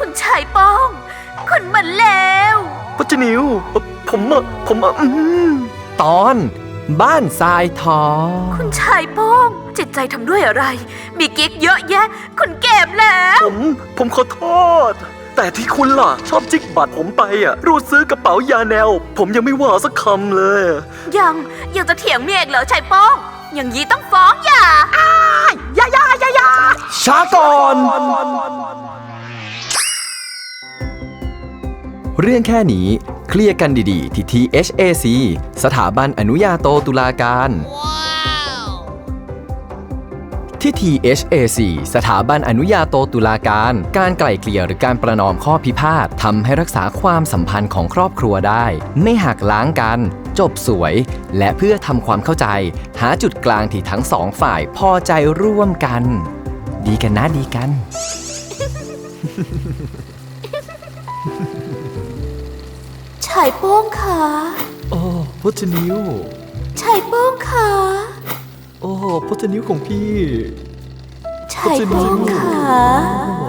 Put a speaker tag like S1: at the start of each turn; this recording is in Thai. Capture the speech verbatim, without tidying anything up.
S1: คุณชายป้องคุณมันแล้ว
S2: พจนิวผมอะผมอะอืม
S3: ตอนบ้านทรายทอง
S1: คุณชายป้องจิตใจทำด้วยอะไรมีกิ๊กเยอะแยะคุณเก็บแล้ว
S2: ผมผมขอโทษแต่ที่คุณล่ะชอบจิกบัตรผมไปอ่ะรูดซื้อกระเป๋ายาแนวผมยังไม่ว่าสักคำเลย
S1: ยังยังจะเถียงเมียอีกเหรอชายป้องอย่างนี้ต้องฟ้องหย่าอ้ายยายายายา
S3: ช้าก่อน เรื่องแค่นี้เคลียร์กันดีๆที่ ที เอช เอ ซี สถาบันอนุญาโตตุลาการ ที่ ที เอช เอ ซี สถาบันอนุญาโตตุลาการการไกล่เกลี่ยหรือการประนอมข้อพิพาททำให้รักษาความสัมพันธ์ของครอบครัวได้ไม่หักล้างกันจบสวยและเพื่อทำความเข้าใจหาจุดกลางที่ทั้งสองฝ่ายพอใจร่วมกันดีกันนะดีกัน
S1: ชายป้องค่ะ
S2: โอ้พจนิว
S1: ชายป้องค่ะ
S2: โอ้พจนิวของพี่
S1: ชายป้องค่ะ